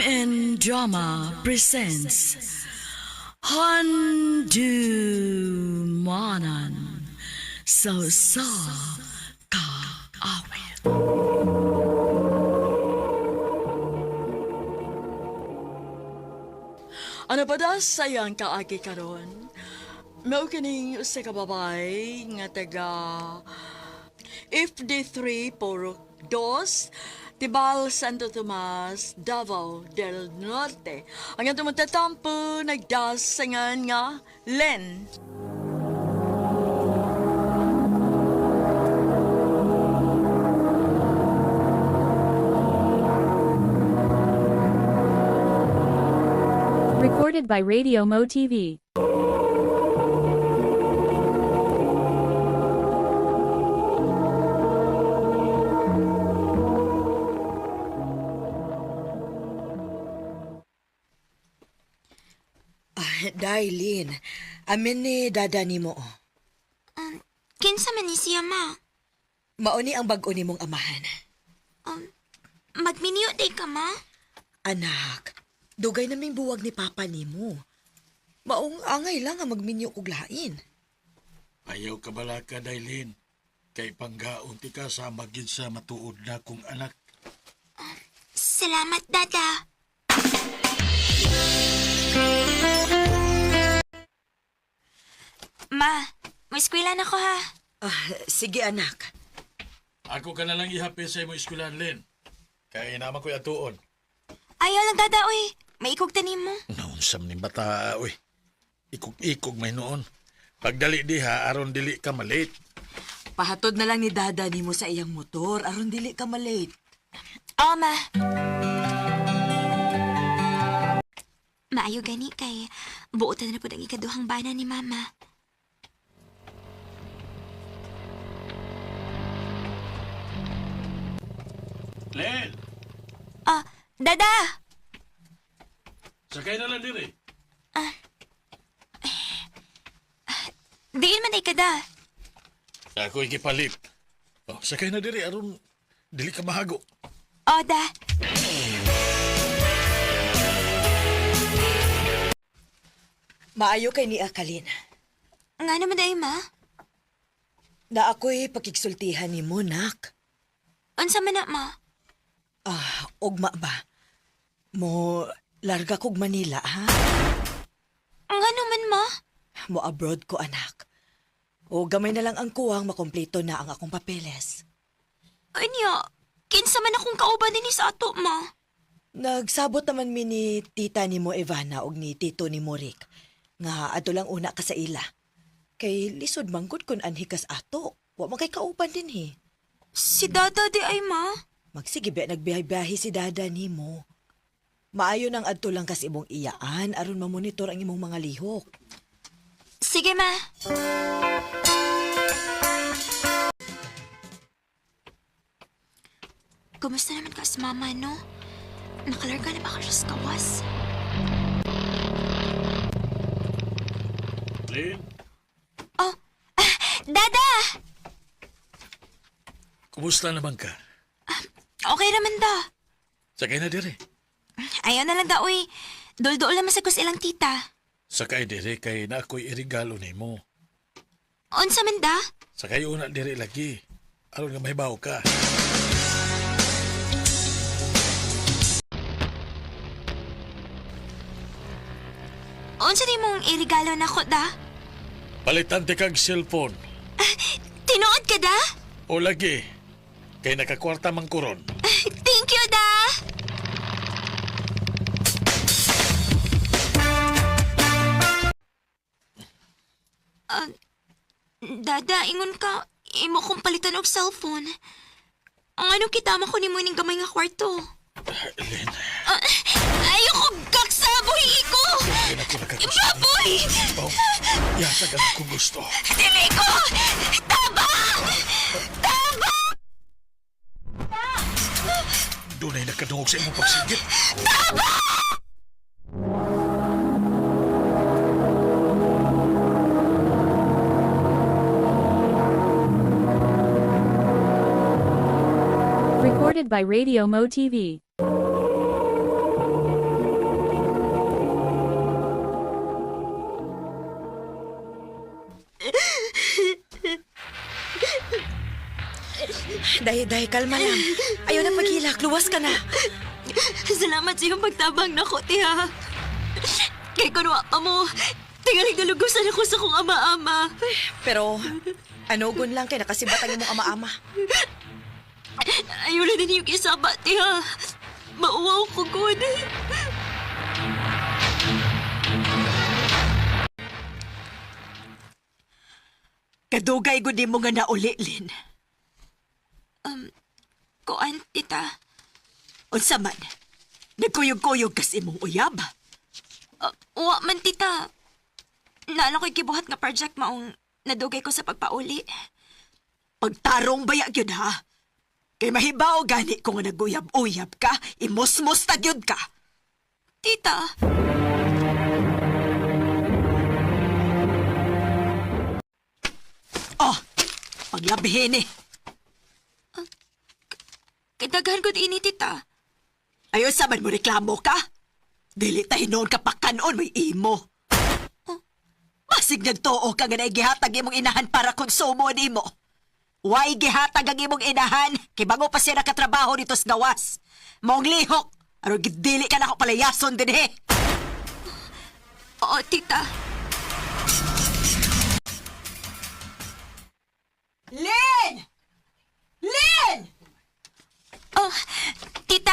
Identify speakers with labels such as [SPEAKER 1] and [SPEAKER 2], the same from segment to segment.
[SPEAKER 1] and Drama presents Handumanan sa kaawit. Ano pa da sayang kaagi karon? Mao kining usa ka babay nga taga FD3 Purok 2 Tibal, Santo Tomas, Davao del Norte. Ang atong magtatampo, nagdasangan nga, Len.
[SPEAKER 2] Recorded by Radio Mo TV.
[SPEAKER 3] Dailin, amin ni dada ni mo.
[SPEAKER 4] Kinsa man ni siya, ma?
[SPEAKER 3] Mauni ang bag-o ni mong amahan.
[SPEAKER 4] Magminyo day ka, ma?
[SPEAKER 3] Anak, dugay naming buwag ni papa ni mo. Maong angay lang ang magminyo kog lain.
[SPEAKER 5] Ayaw ka bala ka, Dailin. Kay panggaon ti ka sa magin sa matuod na kong anak.
[SPEAKER 4] Salamat, dada. Ma, may eskwela na ko, ha?
[SPEAKER 3] Sige anak.
[SPEAKER 5] Ako ka na lang ihapin sa imo eskwelahan, Len. Kaya naman ko'y atuon.
[SPEAKER 4] Ayaw lang, dada, uy. May ikog tanim mo.
[SPEAKER 5] Naunsam ni bata, uy. Ikog-ikog may noon. Pagdali diha, aron dili ka malate.
[SPEAKER 3] Pahatod na lang ni dada ni mo sa iyang motor, aron dili ka malate.
[SPEAKER 4] Oo, ma. Maayo gani kay buotan na po ang ikaduhang bana ni mama.
[SPEAKER 5] Len!
[SPEAKER 4] Dada!
[SPEAKER 5] Sakay na lang diri.
[SPEAKER 4] Diin man ay kada.
[SPEAKER 5] Ako ikipalit. Sakay na diri, aron dili ka mahago.
[SPEAKER 4] Da.
[SPEAKER 3] Maayo kay ni Akalin.
[SPEAKER 4] Nga naman day, ma?
[SPEAKER 3] Na ako'y pakigsultihan ni mo, nak.
[SPEAKER 4] Unsa man na, ma?
[SPEAKER 3] Ugma ba? Mo larga kog Manila, ha?
[SPEAKER 4] Nga naman, ma?
[SPEAKER 3] Mo abroad ko, anak. O gamay na lang ang kuwang makompleto na ang akong papeles.
[SPEAKER 4] Anya, kinsa man akong kauban din sa ato, ma?
[SPEAKER 3] Nagsabot naman mi ni tita ni mo Ivana og ni tito ni mo Rick. Nga ato lang una ka sa ila. Kay lisod manggod kun anhi kas ato. Wa man kay kauban din he.
[SPEAKER 4] Si dada di ay, ma?
[SPEAKER 3] Magsigibe nagbiyahe-biyahe si dada ni mo. Maayo nang adto lang kas imong iyaan aron mamonitor ang imong mga lihok.
[SPEAKER 4] Sige, ma. Kumusta naman ka sa mama, no? Nakalarga na ba ka siya sa kawas?
[SPEAKER 5] Len,
[SPEAKER 4] Dada!
[SPEAKER 5] kumusta naman ka?
[SPEAKER 4] Okay naman da.
[SPEAKER 5] Sakay na diri.
[SPEAKER 4] Ayaw na lang da, uy. Dol-dol naman sa kus ilang tita.
[SPEAKER 5] Sakay diri kay na ako'y irigalo nimo.
[SPEAKER 4] Unsa man da?
[SPEAKER 5] Sakay una diri lagi. Aron nga mahibaw ka.
[SPEAKER 4] Unsa di mong irigalo na ko da?
[SPEAKER 5] Palitan ti kag cellphone.
[SPEAKER 4] Tinuod ka da?
[SPEAKER 5] O lagi. Kay nakakwarta man kuron.
[SPEAKER 4] Thank you, da! Dada, ingon ka, imo kong palitan og cellphone. Ang anong kitama ko ni mo ning gamay nga kwarto?
[SPEAKER 5] Len,
[SPEAKER 4] Ayoko kaksaboy ko!
[SPEAKER 5] kaya na ko nakagusto.
[SPEAKER 4] Baboy!
[SPEAKER 5] Yatag ang kung gusto.
[SPEAKER 4] Dili ko! Taba! Taba!
[SPEAKER 5] Doon ay nakadungog sa imong pagsigit.
[SPEAKER 2] Recorded by Radio Mo TV.
[SPEAKER 3] Day, kalma lang. Ayaw na paghilak. Luwas ka na.
[SPEAKER 4] Salamat sa iyong pagtabang na ko, tiha. Kay kunwa pa mo, tingaling nalugusan ako sa kong ama-ama.
[SPEAKER 3] Pero, anugon lang kay nakasibat ang imong ama-ama.
[SPEAKER 4] Ayaw na din yung isaba, tiha. Mauwaw ko, good.
[SPEAKER 3] Kadugay gud mo nga nauli, Lin.
[SPEAKER 4] Kuan, tita.
[SPEAKER 3] Unsa man? Nagkuyog-kuyog kasi imong uyab.
[SPEAKER 4] Wa man, tita. Naala ko'y kibuhat nga project maong nadugay ko sa pagpauli.
[SPEAKER 3] Pagtarong baya gyud ha. Kay mahibaw gani ko nga naguyab-uyab ka, imos-mos ta gyud ka.
[SPEAKER 4] Tita,
[SPEAKER 3] Oh, paglabihin eh.
[SPEAKER 4] kadaghan ko ini, tita.
[SPEAKER 3] Ayaw sa man mo reklamo ka? Dili tayo noon ka pakanon may imo. Masig nagtuo ka nga na gihatag imong inahan para konsumo nimo. Why gihatag ang imong inahan? Kay bago pa siya nakatrabaho dito sa gawas. Maong lihok, aron gidili ka na ako palayason din eh.
[SPEAKER 4] Oo, tita.
[SPEAKER 3] Lin! Lin!
[SPEAKER 4] Oh, tita?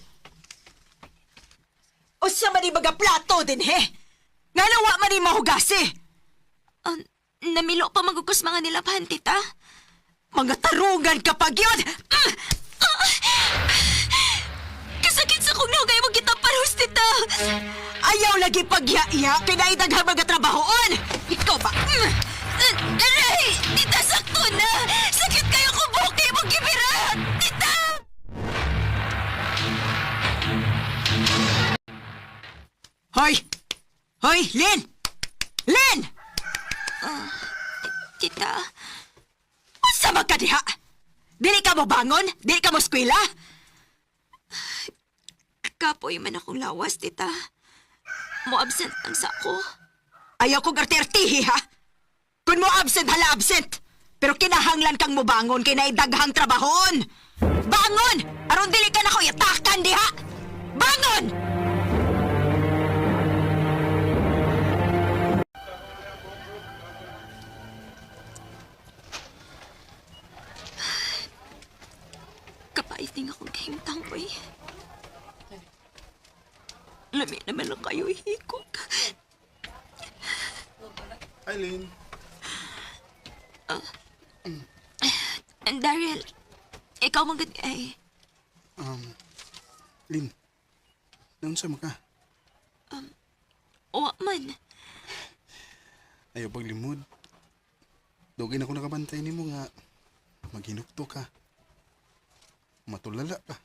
[SPEAKER 3] O siya man baga plato din he. Nga nawa man mahugasi.
[SPEAKER 4] Namilo pa magugos mga nilabhan, tita.
[SPEAKER 3] Mga tarungan kapag yun!
[SPEAKER 4] Kasakit sa kong nahugay mo kita parehos, tita.
[SPEAKER 3] Ayaw lagi pagya-iya, pinaidaghang mga trabahoon! Ikaw ba?
[SPEAKER 4] Aray! Tita, sakto na! Sakit kayo kung buki mong gibira! Tita!
[SPEAKER 3] Hoy! Hoy, Lin! Lin!
[SPEAKER 4] Tita,
[SPEAKER 3] Unsa man ka diha? Dili ka mo bangon? Dili ka mo eskwela?
[SPEAKER 4] kapoy man akong lawas, tita. Mo absent ang sako.
[SPEAKER 3] Ayaw kong arti-artihi, ha? Kung mo absent, hala absent. Pero kinahanglan kang mo bangon kay naidaghang trabahon. Bangon! Aron dili ka na ko yatakan diha! Bangon!
[SPEAKER 4] Kapaiting akong kahimtang ko eh. Lami naman lang kayo ihikot.
[SPEAKER 6] Eileen,
[SPEAKER 4] Daryl, ikaw magad ay.
[SPEAKER 6] Lin, naunsa mo ka?
[SPEAKER 4] Wa man.
[SPEAKER 6] Ayaw paglimod. Dugay na ako nakabantay ni mo nga maghinukto ka. Matulala ka.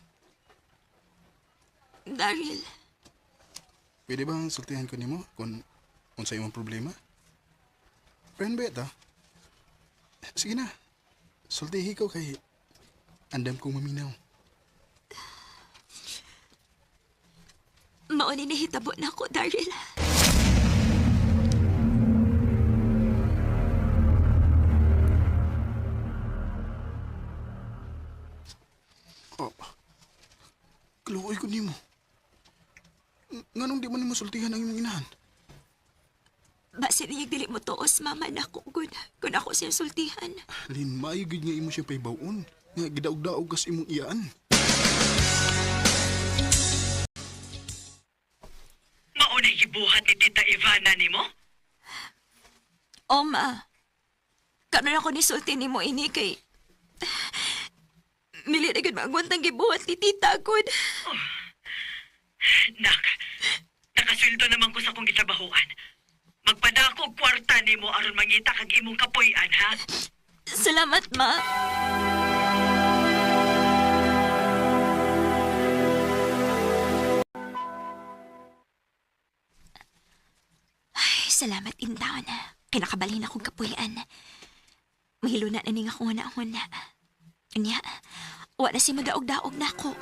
[SPEAKER 4] Daryl,
[SPEAKER 6] Pwede bang sultihan ko ni mo kung unsa imong problema? Friend beta. Sige na. Sultihi ko kay andam kong maminaw.
[SPEAKER 4] mauni na hitabo na ako, Daryl.
[SPEAKER 6] Oh. Kaluoy ko nimo. Nganong di man nimo sultihan ang imong inahan?
[SPEAKER 4] Base niyang dili mo tuos, mama na ako, good. Kung ako siyang sultihan.
[SPEAKER 6] Lin, maayo gid nga imo siya paybawon. Nga gidaog-daog kas imong iyaan.
[SPEAKER 7] Maunay gibuhat ni Tita Ivana nimo?
[SPEAKER 4] O, ma. Karon ako ni sulti ni mo ini kay... Mili na gud maagwantang gibuhat ni tita, good.
[SPEAKER 7] Nak, nakasweldo naman ko sa akong gitrabahoan. Magpadako og kwarta nimo aron mangita kag imong kapuy-an, ha?
[SPEAKER 4] Salamat, ma. Ay, salamat intaon. Kinakabalhin akong kapuyan. Mahilo na ning akong huna-huna. Anya, wa na si madaog-daog na ako.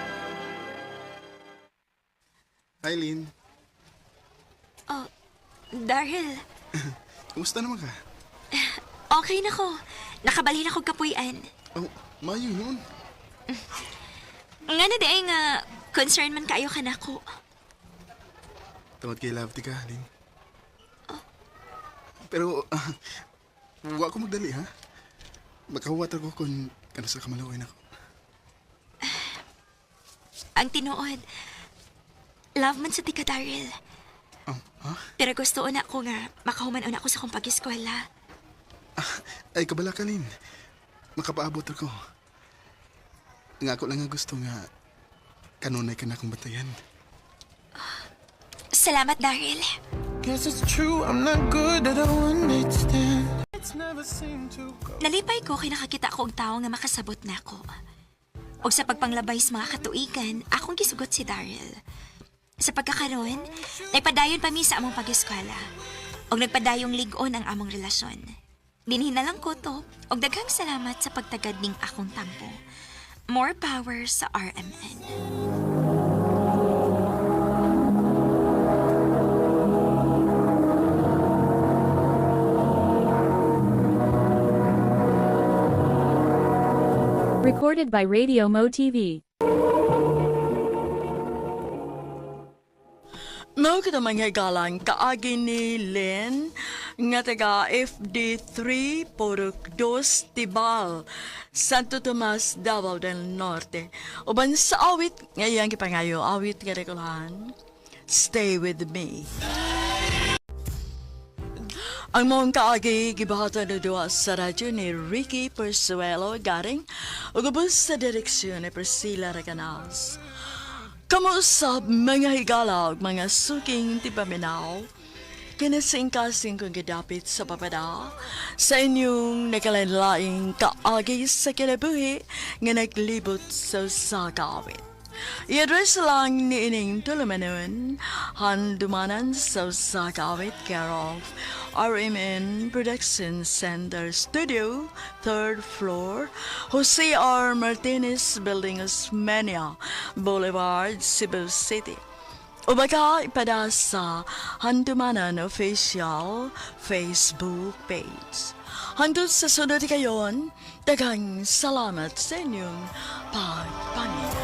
[SPEAKER 6] Eileen,
[SPEAKER 4] Daryl,
[SPEAKER 6] Kumusta naman ka?
[SPEAKER 4] okay na ko. Nakabalhin ako kapuy-an.
[SPEAKER 6] Oh, mayo yun.
[SPEAKER 4] Nga na di nga, concern man kayo ka na ko.
[SPEAKER 6] Tawad kay Love, ka, Lin. Pero, huwag ko magdali, ha? Makahuwat ako kung kano sa kamalawin ako.
[SPEAKER 4] Ang tinuod, love man sa tika, Daryl.
[SPEAKER 6] Oh, ha?
[SPEAKER 4] Pero gusto na ko nga, makahuman una ako sa kong pag-eskwela.
[SPEAKER 6] Ay, kabala ka, Lin. Makapaabot ako. Nga ako lang nga gusto nga kanunay ka na akong batayan.
[SPEAKER 4] Salamat, Daryl.
[SPEAKER 8] Guess it's true, I'm not good at a one-night stand. It's never seemed to go.
[SPEAKER 4] Nalipay ko kay nakakita ko og tao nga makasabot na ako. Og sa pagpanglabay sa mga katuigan, akong gisugot si Daryl. Sa pagkakaroon, nagpadayon pa mi sa among pag-eskwela. Og nagpadayong lig-on ang among relasyon. Dinhin na lang ko to, og daghang salamat sa pagtagad ning akong tampo. More power sa RMN.
[SPEAKER 2] Recorded by Radio Mo TV.
[SPEAKER 1] Mao kita mga galang kaagi ni Len nga taga FD3 Porok 2 Tibal, Santo Tomas, Davao del Norte. Uban sa awit ngayang kipangayo awit nga rekulahan. Stay with me. Ang mong kaagi gibahatan na duwa sa radyo ni Ricky Persuelo garing ug ubos sa direksyon ni Priscilla Recanals. Kamusta mga higala ug mga suking tipaminaw? Kinasingkasing kong gidapit sa papada sa inyong nakalanlaing kaagi sa kinabuhi nga naglibot sa sagawit. I-address lang ni ining tulumanon, handumanan sa sagawit care of RMN Production Center Studio, 3rd floor, Jose R. Martinez Building, Osmeña Boulevard, Cebu City. O baka ipada sa Handumanan Official Facebook page. Hangtod sa sunod kayon, daghang salamat sa inyong pagpangin.